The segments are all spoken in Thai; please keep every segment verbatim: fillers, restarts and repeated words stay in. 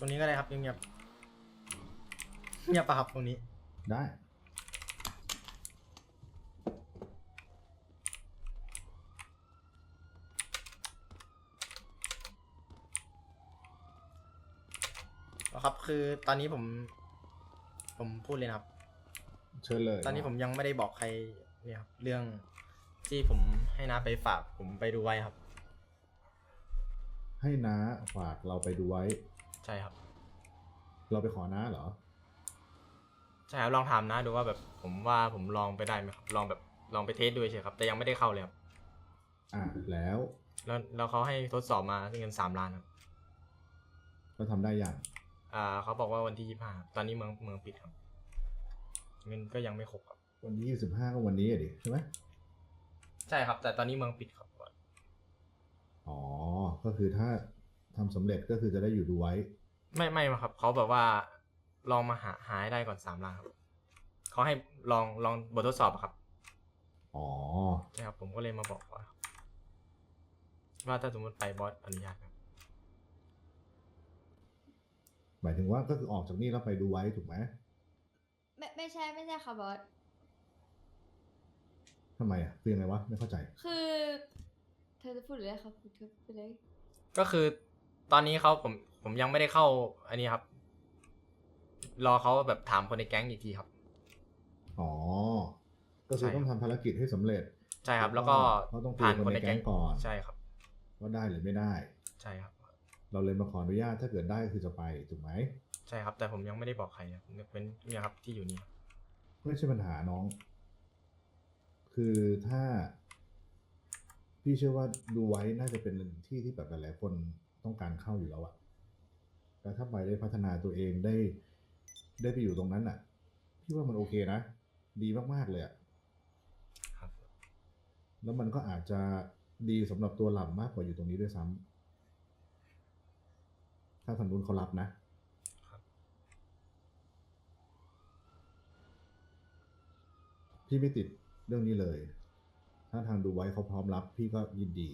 รงนี้ก็ได้ครับเงียบๆเงียบปะครับตรงนี้ได้ครับคือตอนนี้ผม ผมพูดเลยนะครับเชิญเลยตอนนี้ผมยังไม่ได้บอกใครเนี่ยครับเรื่องที่ผมให้น้าไปฝากผมไปดูไว้ครับให้น้าฝากเราไปดูไว้ใช่ครับเราไปขอน้าเหรอใช่ครับลองถามน้าดูว่าแบบผมว่าผมลองไปได้ไหมครับลองแบบลองไปเทสดูเฉยครับแต่ยังไม่ได้เข้าเลยครับอ่ะแล้วแล้วแล้วเขาให้ทดสอบมาเงินสามล้านครับเราทำได้ยังอ่าเขาบอกว่าวันที่ยี่สิบห้าตอนนี้เมืองเมืองปิดครับเงินก็ยังไม่ครบครับวันที่ยี่สิบห้าก็วันนี้อะดิใช่ไหมใช่ครับแต่ตอนนี้เมืองปิดครับอ๋อ ก็คือถ้าทำสำเร็จก็คือจะได้อยู่ดูไว้ไม่ไม่ครับเขาแบบว่าลองมาหาหาให้ได้ก่อนสามล้านครับเขาให้ลองลองบททดสอบอะครับอ๋อใช่ครับผมก็เลยมาบอกว่าว่าถ้าสมมติไปบอสอนุญาตครับหมายถึงว่าก็คือออกจากนี่แล้วไปดูไว้ถูกไหมไม่ไม่ใช่ไม่ใช่ค่ะบอสทำไมอ่ะคือยังไงวะไม่เข้าใจคือ เธอจะพูดหรืออะไรครับพูดเธอไปเลยก็คือตอนนี้เขาผมผมยังไม่ได้เข้าอันนี้ครับ รอเขาแบบถามคนในแก๊งอีกทีครับอ๋อ ก็คือต้องทำภารกิจให้สำเร็จใช่ครับ แล้วก็เขาต้องคุยผ่ากัน บคนในในแก๊แก๊งงก่อนใช่ครับว่าได้หรือไม่ได้ใช่ครับเราเลยมาขออนุญาตถ้าเกิดได้คือจะไปถูกไหมใช่ครับ แต่ผมยังไม่ได้บอกใครครับเป็นเนี่ยครับที่อยู่นี่ครับไม่ใช่ปัญหาน้อง คือถ้า พี่เชื่อว่าดูไว้น่าจะเป็นที่ที่แบบหลายๆคนต้องการเข้าอยู่แล้วอะแต่ถ้าไปได้พัฒนาตัวเองได้ ได้ไปอยู่ตรงนั้นอะพี่ว่ามันโอเคนะ ดีมากๆเลยอะครับแล้วมันก็อาจจะดีสำหรับตัวหล่ำมากกว่าอยู่ตรงนี้ด้วยซ้ำถ้าทางนู้นเขารับนะครับพี่ไม่ติดเรื่องนี้เลย ถ้าทางดูไว้เขาพร้อมรับ พี่ก็ยินดี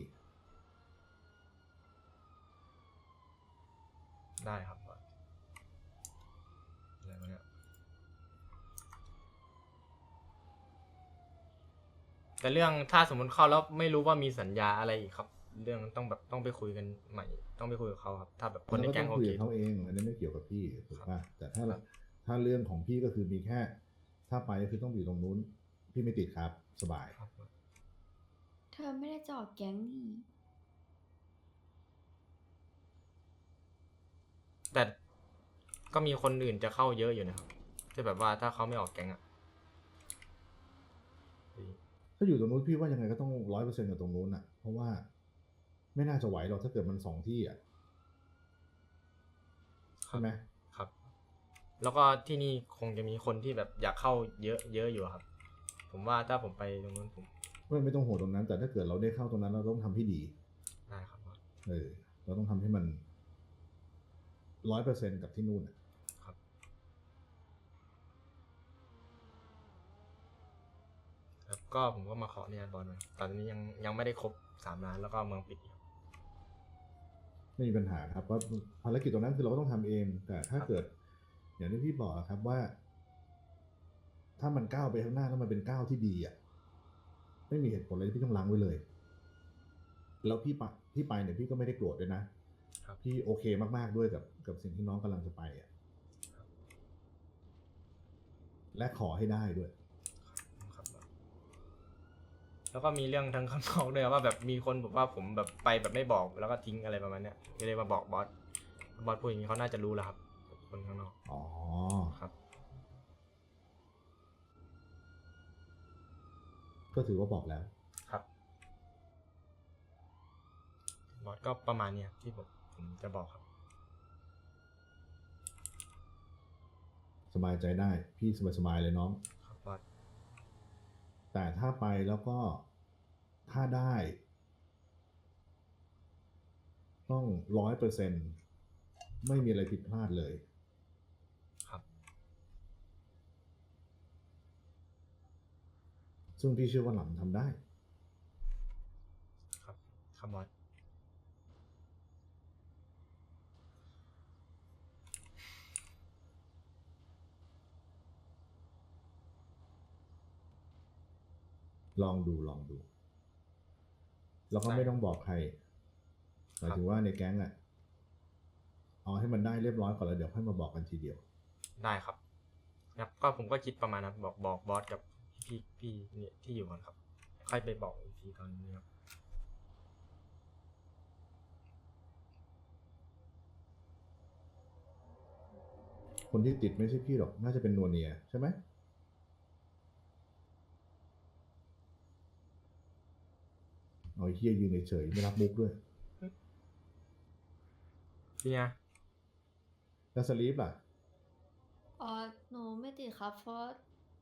ได้ครับบอสอะไรวะเนี่ยแต่เรื่องถ้าสมมติเข้าแล้วไม่รู้ว่ามีสัญญาอะไรอีกครับ เรื่องต้องแบบต้องไปคุยกันใหม่ ต้องไปคุยกับเขาครับ ถ้าแบบคนในแก๊งก็โอต้องคุยเคกับเขาเอง อันนี้ไม่เกี่ยวกับพี่ถูกครัป่ะบแต่ถ้าครับถ้าเรื่องของพี่ก็คือมีแค่ ถ้าไปก็คือต้องอยู่ตรงนู้น พี่ไม่ติดครับ สบายครับเธอไม่ได้จะออกแก๊งนี่แต่ก็มีคนอื่นจะเข้าเยอะอยู่นะครับที่แบบว่าถ้าเขาไม่ออกแก๊งอะถ้าอยู่ตรงนู้นพี่ว่ายังไงก็ต้องร้อยเปอร์เซ็นต์กับตรงนู้นอ่ะ เพราะว่าไม่น่าจะไหวหรอกถ้าเกิดมันสองที่อ่ะใช่ไหมครับ แล้วก็ที่นี่คงจะมีคนที่แบบอยากเข้าเยอะเยอะอยู่ครับ ผมว่าถ้าผมไปตรงนู้นผมไม่ไม่ต้องห่วงตรงนั้น แต่ถ้าเกิดเราได้เข้าตรงนั้นเราต้องทำให้ดีได้ครับบอสเออ เราต้องทำให้มันร้อยเปอร์เซ็นต์กับที่นู่นอะครับครับก็ผมก็มาขอเนี่ยบอลมาตอนนี้ยังยังไม่ได้ครบสามล้านแล้วก็เมืองปิดอยู่ไม่มีปัญหาครับว่าภารกิจตรงนั้นคือเราก็ต้องทำเอง แต่ถ้าครับเกิด อย่างที่พี่บอกอะครับว่า ถ้ามันก้าวไปข้างหน้าแล้วมันเป็นก้าวที่ดีอ่ะ ไม่มีเหตุผลอะไรที่พี่ต้องล้างไว้เลย แล้วพี่ไปพี่ไปเนี่ยพี่ก็ไม่ได้โกรธด้วยนะครับพี่โอเคมากๆด้วยกับกับสิ่งที่น้องกำลังจะไปอ่ะ และขอให้ได้ด้วยครับบอสแล้วก็มีเรื่องทางข้างนอกด้วยครับว่าแบบมีคนบอกว่าผมแบบไปแบบไม่บอกแล้วก็ทิ้งอะไรประมาณเนี้ยก็เลยมาบอกบอสบอสพูดอย่างนี้เขาน่าจะรู้แล้วครับคนข้างนอกอ๋อครับก็ถือว่าบอกแล้วครับบอสก็ประมาณเนี้ยที่ผมผมจะบอกครับสบายใจได้ พี่สบายๆเลยน้องครับบอสแต่ถ้าไปแล้วก็ถ้าได้ ต้องร้อยเปอร์เซ็นต์ไม่มีอะไรผิดพลาดเลยครับซึ่งพี่เชื่อว่าหล่ำทำได้ครับครับบอสลองดูลองดู แล้วก็ไม่ต้องบอกใครหมายถึงว่าในแก๊งอ่ะเอาให้มันได้เรียบร้อยก่อนแล้วเดี๋ยวค่อยมาบอกกันทีเดียวได้ครับครับก็ผมก็คิดประมาณนั้นบอกบอกบอสกับพี่พี่เนี่ยที่อยู่กันครับค่อยไปบอกอีกทีตอนนี้ครับคนที่ติดไม่ใช่พี่หรอกน่าจะเป็นนัวเนียใช่ไหมเอาไอ้เฮียยืนเฉยๆไม่รับมุกด้วยพี่เนี่ยแล้วสลีปล่ะอ๋อหนูไม่ติดครับ เพราะ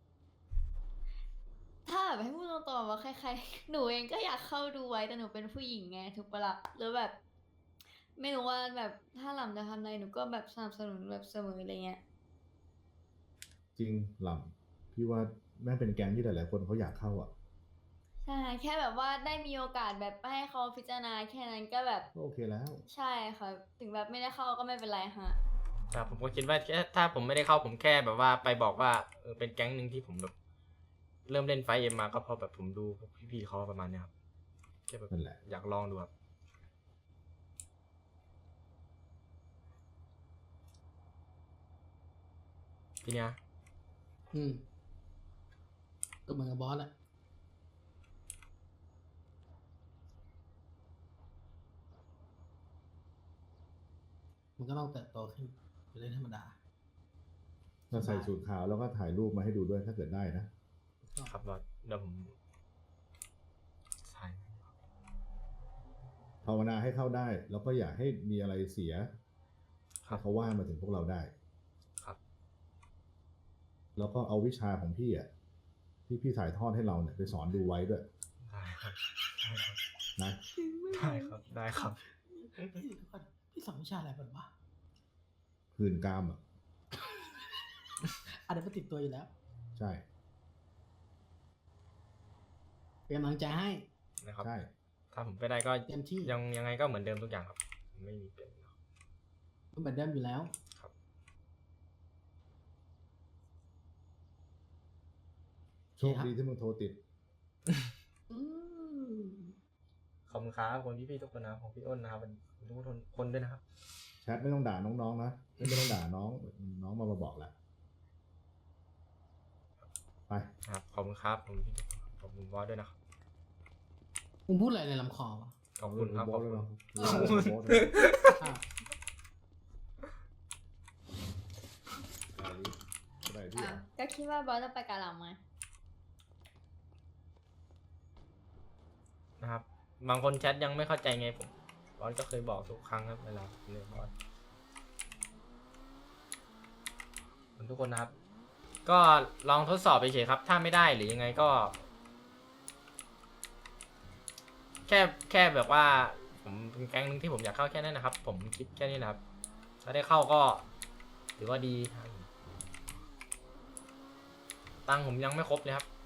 ถ้าแบบให้พูดตรงๆว่าใครๆ หนูเองก็อยากเข้าดูไว้แต่หนูเป็นผู้หญิงไงถูกปะละ่ะหรือแบบ ไม่รู้ว่าแบบถ้าหล่ำจะทำอะไรหนูก็แบบสนับสนุนแบบเสมออะไรเงี้ยจริงหล่ำพี่ว่าแม่งเป็นแก๊งที่หลายๆคนเขาอยากเข้าอ่ะใช่แค่แบบว่าได้มีโอกาสแบบให้เขาพิจารณาแค่นั้นก็แบบก็โอเคแล้วใช่ค่ะถึงแบบไม่ได้เข้าก็ไม่เป็นไรฮะครับผมก็คิดว่าแค่ถ้าผมไม่ได้เข้าผมแค่แบบว่าไปบอกว่าเออเป็นแก๊งหนึ่งที่ผมแบบเริ่มเล่นไฟเอ็มมาก็เพราะแบบผมดูพวกพี่ๆเขาประมาณเนี้ยครับแค่แบบนั่นแหละอยากลองดูครับพี่เนี่ยอืมก็เหมือนกับบอสแหละมันก็ต้องเติบโตขึ้นเป็นเรื่องธรรมดาถ้าใส่สูทขาวแล้วก็ถ่ายรูปมาให้ดูด้วยถ้าเกิดได้นะครับบอสเดี๋ยวผมใช่ภาวนาให้เข้าได้ แล้วก็อย่าให้มีอะไรเสียครัให้บเขาว่ามาถึงพวกเราได้ครับแล้วก็เอาวิชาของพี่อ่ะที่พี่ถ่ายทอดให้เราเนี่ยไปสอนดูไว้ด้วยได้ครับได้ครับนะได้ครับได้ครับพี่เดี๋ยวก่อนพี่สอนวิชาอะไรเป็นวะคืนกามอ่ะอันนี้มันติดตัวอยู่แล้วใช่เป็นกำลังใจให้นะครับใช่ถ้าผมไปได้ก็เต็มที่ยังยังไงก็เหมือนเดิมทุกอย่างครับ ไม่มีเปลี่ยนครับมันเหมือนเดิมอยู่แล้วครับโชคดีที่มึงโทรติดอืมขอบคุณครับคนพี่ๆทุกคนนะครับของพี่อ้นนะครับทุกคนคนด้วยนะครับแชทไม่ต้องด่าน้องๆนะไม่ไม่ต้องด่าน้องน้องมามาบอกแหละไปครับขอบคุณครับผมพี่ขอบคุณบอสด้วยนะครับมึงพูดอะไรในลำคอวะขอบคุณครับโบขอบสด้วยคุณเนาะโบสด้วยอ้าวอะไรที่อ่ะก็คิดว่าบอสจะไปกาหลังไหมนะครับ บางคนแชทยังไม่เข้าใจไงผมบอสก็เคยบอกทุกครั้งครับเวลาเรียนบอสขอบคุณทุกคนนะครับ ก็ลองทดสอบไปเฉยครับ ถ้าไม่ได้หรือยังไงก็ แค่แค่แบบว่า ผมเป็นแก๊งนึงที่ผมอยากเข้าแค่นั้นนะครับ ผมคิดแค่นี้นะครับ ถ้าได้เข้าก็ถือว่าดีครับตังค์ผมยังไม่ครบเลยครับ